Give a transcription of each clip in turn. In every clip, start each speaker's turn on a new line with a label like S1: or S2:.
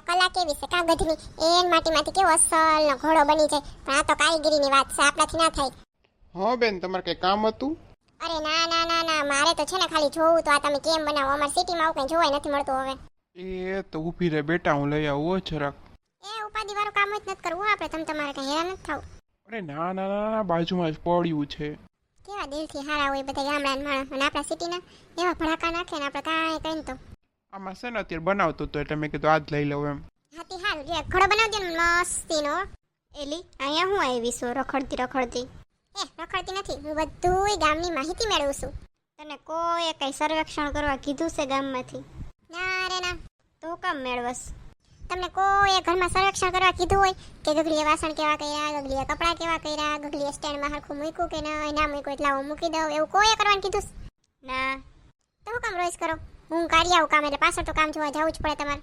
S1: કલા કેવી છે કાગળની, એન માટીમાંથી કેવો અસલનો ઘોડો બની જાય. પણ આ તો કારીગરીની વાત છે, આપણાથી ના થાય.
S2: હા બેન, તમારે કઈ કામ હતું?
S1: અરે ના ના ના ના, મારે તો છે ને ખાલી જોવું તો આ તમે કેમ બનાવો. અમારી સિટીમાં આવું કંઈ જોવાય નથી મળતું હવે.
S2: એ તો ઊભી રહે બેટા, હું લઈ આવું હો જરાક.
S1: એ ઉપાધિ વાળું કામ જ નથી કરવું આપણે, તમારે કઈ હેરાન નથી થવું.
S2: અરે ના ના ના ના, બાજુમાં જ પડ્યું છે.
S1: કેવા દિલથી હારા હોય બધા ગામડાના માણસ, અને આપણા સિટીના એવા ભડાકા નાખે ને આપણે કાંઈ કહીને તો.
S2: આમાં છે ને અત્યારે બનાવતો હતો એટલે મેં કીધું આજ લઈ લઉં એમ.
S1: હાથી હાલ જે ઘડો બનાવજો ને મસ્તીનો. એલી અહીંયા હું આવી છું રખડતી. રખડતી નથી, હું બધુંય ગામની માહિતી મેળવું છું. તને કોઈ કઈ સર્વેક્ષણ કરવા કીધું છે ગામમાંથી? ના રે ના, તો કામ મેળવસ? તમને કોઈ ઘરમાં સર્વેક્ષણ કરવા કીધું હોય કે ગગલીએ વાસણ કેવા કર્યા, ગગલીએ કપડાં કેવા કર્યા, ગગલીએ સ્ટેન્ડમાં હરખું મૂક્યું કે ના મૂક્યું એટલે હું મૂકી દઉં, એવું કોઈ કરવાનું કીધું? ના. તો હું કામ રોજ કરો? હું કાઢી આવું કામ, એટલે પાછળ તો કામ જોવા જવું જ પડે તમારે.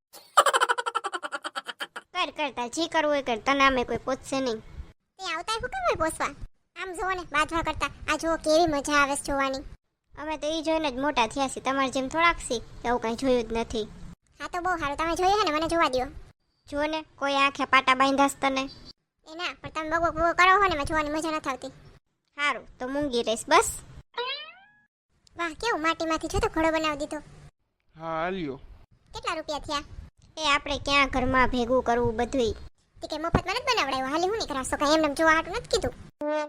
S1: કરતા જી કરવું હોય કર, તને અમે કોઈ પૂછશે નહીં. તે આવતા હું કેમ હોય પૂછવા? આમ જોવો ને બાજવા કરતા આ જુઓ કેવી મજા આવે છે જોવાની. અમે તો એ જોઈને જ મોટા થયા છીએ, તમારે જેમ થોડાક સી એવું કંઈ જોયું જ નથી. હા તો બહુ સારું, તમે જોયું હે ને, મને જોવા દો. જો ને કોઈ આંખે પાટા બાંધાસ તને. એ ના, પણ તમે બગો કરો હો ને, મેં જોવાની મજા નથી આવતી. સારું તો મૂંગી રહીશ બસ. વાહ, કેવું માટીમાંથી જો તો ઘોડો બનાવી દીધો.
S2: હા હાલ્યો.
S1: કેટલા રૂપિયા થયા? એ આપણે ક્યાં ઘરમાં ભેગું કરવું બધુંય. તે કે મફતમાં નથી બનાવડાવ્યો, હાલી હું નહીં કરાવશો, કઈ એમને જોવા હાટું નથી કીધું.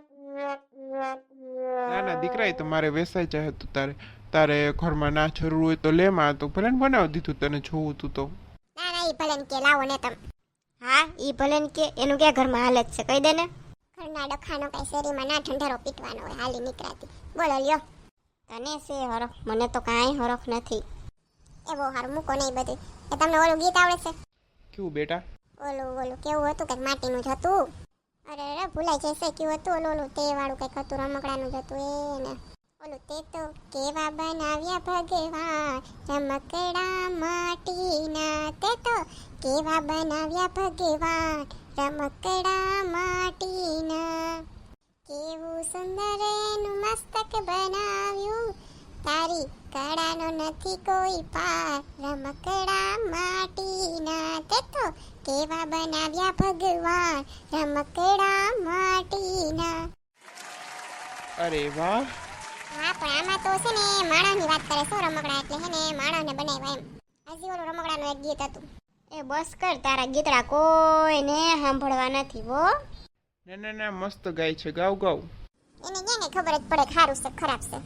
S2: ના ના દીકરા, એ તો મારે વેસાઈ જાય હતું. તારે ઘરમાં ના જરૂર હોય તો લે, માં તો ભલે ને બનાવી દીધું તને જોવું તું તો.
S1: ના ના, ઈ ભલે ને કે લાવો ને તમે. હા, ઈ ભલે ને કે, એનું ક્યાં ઘરમાં હાલત છે, કહી દે ને. ઘરના ડખાનો કઈ શેરીમાં ના ઠંડરો પીટવાનો હોય, હાલી નીકળાતી. બોલો લ્યો. તને છે હરખ, મને તો કાંઈ હરખ નથી. એ બહુ સારું, મૂકો નહીં બધું. એ તમને ઓલું ગીત આવડે છે?
S2: કેવું બેટા?
S1: ઓલું કેવું હતું, કંઈક માટીનું જ હતું. અરે ભૂલાઈ જશે, કેવું હતું ઓલું તે વાળું કંઈક હતું, રમકડાનું જ હતું એને. ઓલું તે તો કેવા બનાવ્યા ભગવાન રમકડા માટીના, તે તો કેવા બનાવ્યા ભગવાન રમકડા માટીના. કેવું સુંદર એનું મસ્તક બનાવ્યું, તારી કળાનો નથી કોઈ પાર રમકડા માટીના, તે તો કેવા બનાવ્યા ભગવાન રમકડા માટીના.
S2: અરે વાહ.
S1: હા, પણ આમાં તો છે ને માણસની વાત કરે, શું રમકડા એટલે છે ને માણસને બનાવ્યા એમ. હજી ઓલું રમકડાનું એક ગીત હતું. એ બસ કર, તારા ગીતડા કોઈને સાંભળવા નથી હો.
S2: ના ના ના, મસ્ત ગાય છે, ગાવ ગાવ.
S1: એને ક્યાં ખબર જ પડે ખારું છે ખરાબ છે.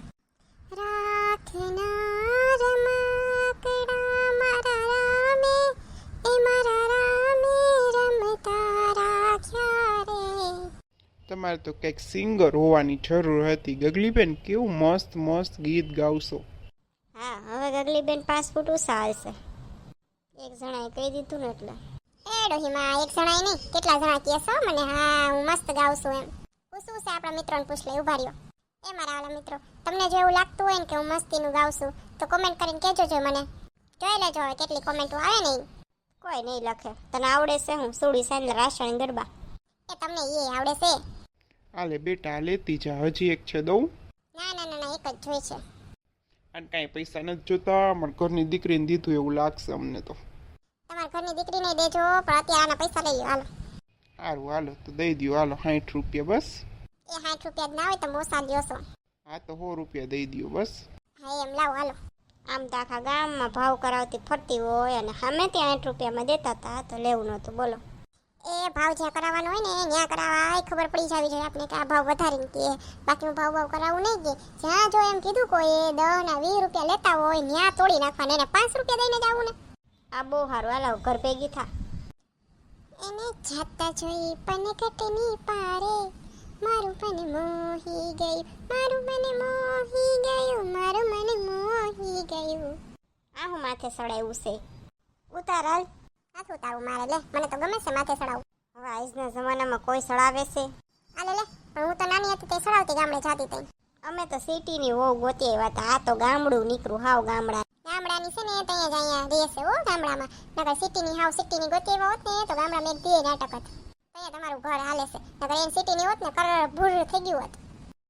S1: રાખના રમકડા મારા રામે, એ મારા રામે રમતા રાખ્યા રે.
S2: તમારે તો કંઈક સિંગર હોવાની જરૂર હતી ગગલીબેન, કેવું મસ્ત મસ્ત ગીત ગાવશો.
S1: હા, હવે ગગલીબેન 5 ફૂટ ઊંચા હશે. એક જણાએ કહી દીધું ને એટલે. એ ડોહીમાં એક જણાએ નહીં, કેટલા જણા કહેશો મને? હા, હું મસ્ત ગાઉં છું એમ. પૂછવું છે આપણા મિત્રોને, પૂછ લે, ઉભા રહ્યો. એ મારા વાલા મિત્રો, તમને જો એવું લાગતું હોય ને કે હું મસ્તીનું ગાઉં છું તો કોમેન્ટ કરીને કહેજો જો મને. જોઈ લેજો હવે કેટલી કોમેન્ટો આવે નહીં. કોઈ નહીં લખે. તને આવડે છે હું સોડી સાંજે રાસણ ગરબા? એ તમને એ આવડે છે?
S2: આલે બેટા, આ લેતી જા, હજી એક છે દઉં?
S1: ના ના ના ના, એક જ જોઈ છે.
S2: અને કાંઈ પૈસા નથી જોતા, પણ ઘરની દીકરીને દીધું એવું લાગશે અમને તો.
S1: તમારા ઘરની દીકરીને દેજો, પણ અત્યારે આના પૈસા લઈ લો, હાલો.
S2: સારું હાલો તો દઈ દો, હાલો 60 રૂપિયા બસ.
S1: એ 60 રૂપિયા જ ના હોય તો મોસા લ્યો છો.
S2: હા તો 100 રૂપિયા દઈ દો બસ.
S1: હા એમ લાવો, હાલો. આમ તો આખા ગામમાં ભાવ કરાવતી ફરતી હોય અને સામે ત્યાં 60 રૂપિયામાં દેતા હતા તો લેવું નહોતું, બોલો. એ ભાવ જ્યાં કરાવવાનો હોય ને ત્યાં કરાવવા ખબર પડી જાવી જોઈએ આપણે કે આ ભાવ વધારીને કે, બાકી ભાવ કરાવવું નહીં કે જ્યાં જો એમ કીધું કોઈ 10 ના 20 રૂપિયા લેતા હોય ત્યાં તોડી નાખવાના, એને 5 રૂપિયા દઈને જ આવું ને. આ બહુ સારું, હાલો ઘર ભેગી થા. એને જાતા જોઈ પનકટની પારે, મારું મન મોહી ગયું, મારું મન મોહી ગયું, મારું મન મોહી ગયું. આ હું માથે સડાયું છે, ઉતાર હાલ. હાથ ઉતારું મારે, લે મને તો ગમે છે માથે સડાવું. હવે આજના જમાનામાં કોઈ સડાવે છે? આલે લે, પણ હું તો નાની હતી તે સડાવતી ગામડે જાતી તઈ. અમે તો સિટીની વહુ ગોતી આવ્યા હતા, આ તો ગામડું નીકળું, હાવ ગામડાની છે ને ત્યાં જ અહીંયા રહેશે હો ગામડામાં. નકર સિટીની હાવ સિટીની ગોતી આવ્યા હોત ને તો ગામડામાં એક દી નાટક હતું. અહીંયા તમારું ઘર હાલે છે, નકર એન સિટીની હોત ને કર ભૂર થઈ ગયું હોત.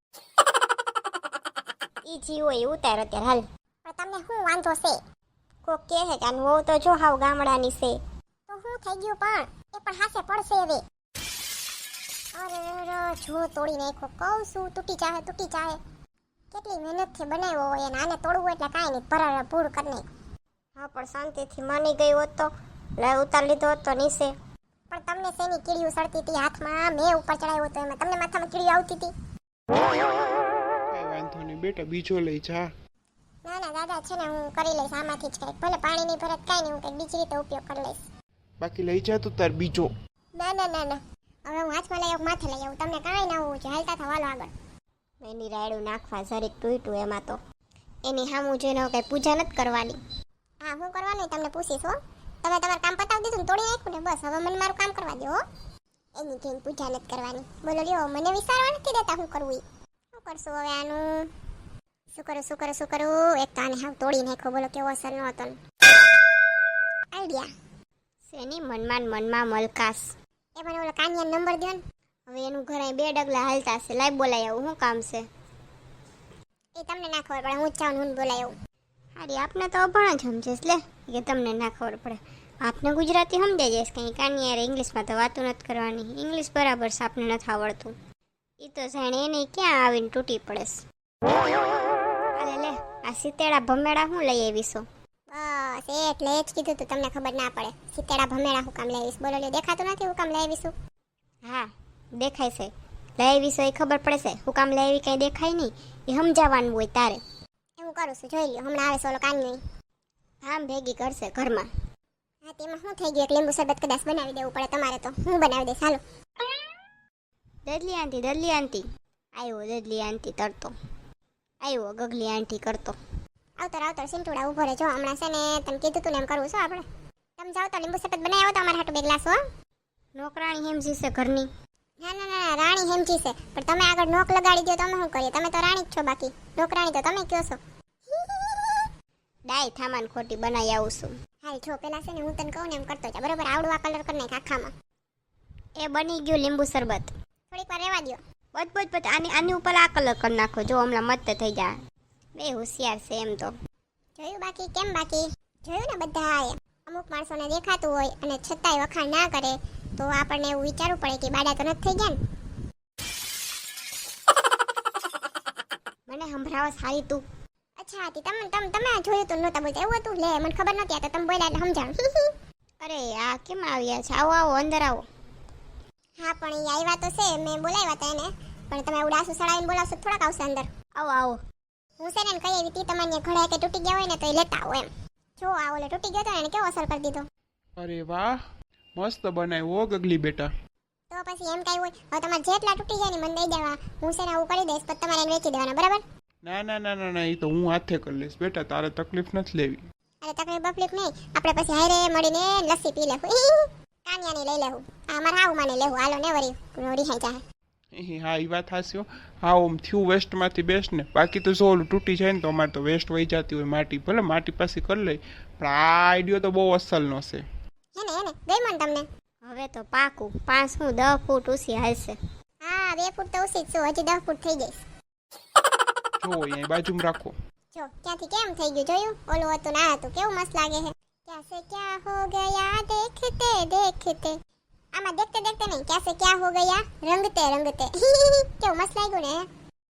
S1: ઈ જી હોય ઉતાર અત્યારે હાલ. પણ તમને શું વાંધો છે? કોક કહે કે આનું વહુ તો જો હાવ ગામડાની છે. થઈ ગયું પણ એ પણ હાસે પડશે હવે. અરે જો તોડી નાખો કહું છું, તૂટી જાહે. કેટલી મહેનતથી બનાવ્યો હોય અને આને તોડવું હોય એટલે કાંઈ નહીં, ભરારા ભૂર કરી નાખ. હા પણ શાંતિથી માની ગઈ હોત તો ઉતાર લીધો હોત તો નીચે. પણ તમને શેની કીડીયું સડતી હતી હાથમાં, મેં ઉપર ચડાવ્યો તો એમાં તમને માથામાં કીડીયું આવતી હતી.
S2: કઈ વાંધો નહીં બેટા, બીજો લઈ જા.
S1: ના ના દાદા છે ને, હું કરી લઈશ આમાંથી જ કંઈક, ભલે પાણી નહીં ભરત કાંઈ નહીં, હું કંઈક બીજી રીતે ઉપયોગ કરી લઈશ.
S2: બાકી લઈ જા તું તાર બીજો.
S1: ના હવે હું હાથમાં લઈ આવું, માથે લઈ આવું, તમને કાંઈ ના હોવું જોઈએ, હાલતા થવાલો આગળ. એની રાયડું નાખવા જરીક તૂટ્યું એમાં તો એની સામું જોઈને કંઈ પૂજા નથી કરવાની. હા હું કરવાનું તમને પૂછીશ હો. તમે તમારું કામ પતાવી દીધું ને તોડી નાખ્યું ને, બસ હવે મને મારું કામ કરવા દો હો. એની જઈને પૂજા નથી કરવાની. બોલો લ્યો, મને વિચારવા નથી દેતા હું કરવું ઈ. શું કરશું હવે આનું? શું કરું? એક તો આને હાવ તોડી નાખ્યો, બોલો કેવો અસર ન હતો. આઈડિયા શેની મનમાં મલકાશ. એ મને ઓલો કાનિયાનો નંબર દો ને. હવે એનું ઘર અહીં 2 ડગલા હાલતા છે, લાઈ બોલાય આવું, શું કામ છે? એ તમને ના ખબર પડે, હું જ જાઉં હું બોલાય આવું. હારી આપને તો અભણ જ સમજેશ લે, કે તમને ના ખબર પડે. આપને ગુજરાતી સમજાઈ જઈશ, કંઈ કાનિયારે ઇંગ્લિશમાં તો વાતું નથી કરવાની. ઇંગ્લિશ બરાબર છે, આપને નથી આવડતું. એ તો જાણે એને ક્યાં આવીને તૂટી પડેશ. અરે લે, આ સિતેડા ભમેડા હું લઈ આવીશું? બસ એટલે જ કીધું તું, તમને ખબર ના પડે. સિતેડા ભમેડા હું કામ લઈ આવીશ? બોલો લે, દેખાતું નથી હું કામ લઈ આવીશું? હા દેખાય છે, લઈ આવીશું એ ખબર પડે છે. હું કામ લઈ આવી કંઈ દેખાય નહીં, એ સમજાવવાનું હોય તારે. હું કરું છું, જોઈ લ્યો. હમણાં આવે છે ઓલો કાનિયો, આમ ભેગી કરશે ઘરમાં. હા તેમાં શું થઈ ગયું? એક લીંબુ શરબત કદાચ બનાવી દેવું પડે તમારે, તો હું બનાવી દઈશ. હાલો દદલી આંટી આવ્યો. દદલી આંટી તરતો આવ્યો, ગગલી આંટી કરતો. આવતર સિંટુડા ઉભો રહે. જો હમણાં છે ને તમે કીધું તું ને એમ કરવું છે આપણે. તમે જાઓ તો લીંબુ શરબત બનાવી આવો તો અમારે હાટુ 2 ગ્લાસ હો. નોકરાણી હેમજી છે ઘરની. ના રાણી હેમજી છે, પણ તમે આગળ નોક લગાડી દો તો અમે શું કરીએ? તમે તો રાણી જ છો, બાકી નોકરાણી તો તમે કયો છો. ડાય થામાન ખોટી બનાવી આવું છું. હાલ જો પેલા છે ને હું તને કહું ને એમ કરતો જા, બરોબર? આવડું આ કલર કરી નાખ આખામાં. એ બની ગયું લીંબુ શરબત. થોડીક વાર રહેવા દો. બસ આની ઉપર આ કલર કરી નાખો. જો હમણાં મસ્ત થઈ જાય. બે હોશિયાર છે એમ તો. જોયું બાકી? કેમ બાકી? જોયું ને બધા. અમુક માણસોને દેખાતું હોય અને છતાંય વખાણ ના કરે તો આપણને એવું વિચારવું પડે કે બાડા તો નથી થઈ ગયા ને. મને સંભળાવા સારી તું. અચ્છા હતી તમે જોયું તું નહોતા બોલતા એવું હતું? લે મને ખબર નહોતી, આ તો તમે બોલ્યા એટલે સમજાણ. અરે આ કેમ આવ્યા છે? આવો અંદર આવો. હા પણ એ આવ્યા તો છે, મેં બોલાવ્યા હતા એને, પણ તમે ઉડાસુ સડાવીને બોલાવશો થોડાક આવશે અંદર. આવો હું છે ને કહી આવી હતી તમારે ઘડા કે તૂટી ગયા હોય ને તો એ લેતા આવો એમ. જો આ ઓલે તૂટી ગયો તો એને કેવો અસર કરી દીધો.
S2: અરે વાહ, મસ્ત બનાવ્યો ગગલી બેટા.
S1: તો પછી એમ કઈ હોય, હવે તમારે જેટલા તૂટી જાય ને મને દઈ દેવા, હું છે ને આવું કરી દઈશ, પછી તમારે એને વેચી દેવાના, બરાબર?
S2: ના એ તો હું હાથે કરી લઈશ બેટા, તારે તકલીફ નથી લેવી.
S1: અરે તકલીફ નહીં, આપણે પછી હારે મળીને લસ્સી પી લેવું. કાનિયાની લઈ લેવું, અમારે હાવ માને લેવું. હાલો ને વરી રિહાઈ જાય.
S2: હા એ વાત હાસ્યો. હા ઓમ થયું વેસ્ટમાંથી બેસ્ટ ને, બાકી તો જો ઓલું તૂટી જાય ને તો અમારે તો વેસ્ટ વહી જતી હોય માટી, ભલે માટી પાસે કરી લઈ, પણ આ આઈડિયો તો બહુ અસલનો છે.
S1: એને ગઈ મને તમને. હવે તો પાકું 5 હું 10 ફૂટ ઊંચી હાલશે. હા 2 ફૂટ તો ઊંચી જ છું, હજી 10 ફૂટ થઈ જઈશ.
S2: જો અહીંયા બાજુમાં રાખો.
S1: જો ક્યાંથી કેમ થઈ ગયું જોયું? ઓલું હતું ના હતું, કેવું મસ્ત લાગે છે. ક્યાં સે ક્યાં હો ગયા દેખતે દેખતે. આમાં દેખતે દેખતે નહીં, ક્યાં સે ક્યાં હો ગયા રંગતે કેવું મસ્ત લાગ્યું ને.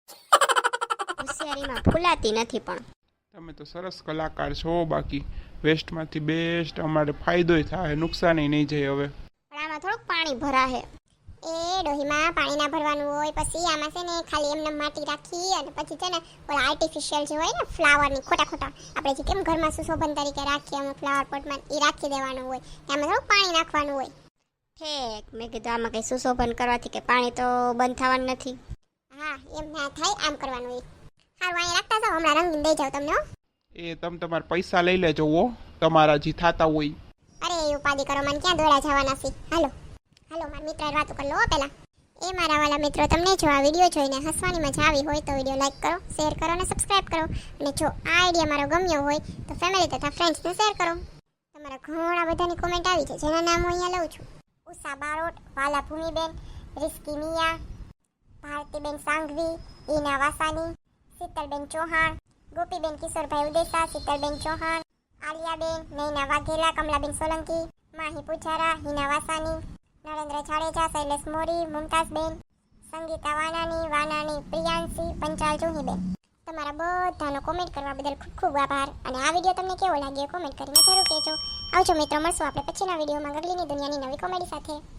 S1: હોશિયારીમાં ફૂલાતી નથી પણ.
S2: તમે તો સરસ કલાકાર છો, બાકી વેસ્ટમાંથી બેસ્ટ અમારે ફાયદોય થાય, નુકસાન નહીં જાય. હવે
S1: પણ આમાં થોડુંક પાણી ભરાશે. એ ડોહીમાં પાણી ના ભરવાનું હોય, પછી આમાં છે ને ખાલી એમને માટી રાખી અને પછી છે ને ઓલા આર્ટિફિશિયલ જે હોય ને ફ્લાવરની ખોટા આપણે જે કેમ ઘરમાં સુશોભન તરીકે રાખીએ અમુક ફ્લાવર પોટમાં, એ રાખી દેવાનું હોય. આમાં થોડુંક પાણી નાખવાનું હોય. ઠેક મેં કીધું આમાં કઈ સુશોભન કરવાથી કે પાણી તો બંધ થવાનું નથી. હા એમ ના થાય, આમ કરવાનું હોય. હારું અહીંયા રાખતા જાઓ, હમણાં રંગીને દઈ જાવ તમને.
S2: એ તમે તમારા પૈસા લઈ લેજો હો, તમારા જે થાતા હોય.
S1: અરે એ ઉપાધિ કરો, મને ક્યાં દોડા જવાના છે. હાલો મારા મિત્ર વાતો કરી લો પેલા. એ મારા વાલા મિત્રો, તમને જો આ વિડીયો જોઈને હસવાની મજા આવી હોય તો વિડીયો લાઈક કરો, શેર કરો અને સબસ્ક્રાઇબ કરો. અને જો આ આઈડિયા મારો ગમ્યો હોય તો ફેમિલી તથા ફ્રેન્ડ્સને શેર કરો. તમારા ઘણા બધાની કોમેન્ટ આવી છે, જેના નામ હું અહીંયા લઉં છું. ઉષા બારોટ, વાલા ભૂમિબેન, રિસ્કી મિયા, ભારતીબેન સાંઘવી, ઈના વાસાની, શીતલબેન ચૌહાણ, ગોપીબેન કિશોરભાઈ ઉદેસા, શીતલબેન ચૌહાણ, આલિયાબેન, નૈના વાઘેલા, કમલાબેન સોલંકી, માહી પુજારા, હિના વાસાની, નરેન્દ્ર જાડેજા, શૈલેષ મોરી, મુમતાઝબેન, સંગીતા વાનાની, પ્રિયાંશી, પંચાલ જુહીબેન. તમારા બધાનો કોમેન્ટ કરવા બદલ ખૂબ ખૂબ આભાર. અને આ વિડીયો તમને કેવો લાગ્યો કોમેન્ટ કરીને જરૂર કહેજો. આવજો મિત્રો, મળશું આપણે પછીના વિડીયોમાં ગગલીની દુનિયાની નવી કોમેડી સાથે.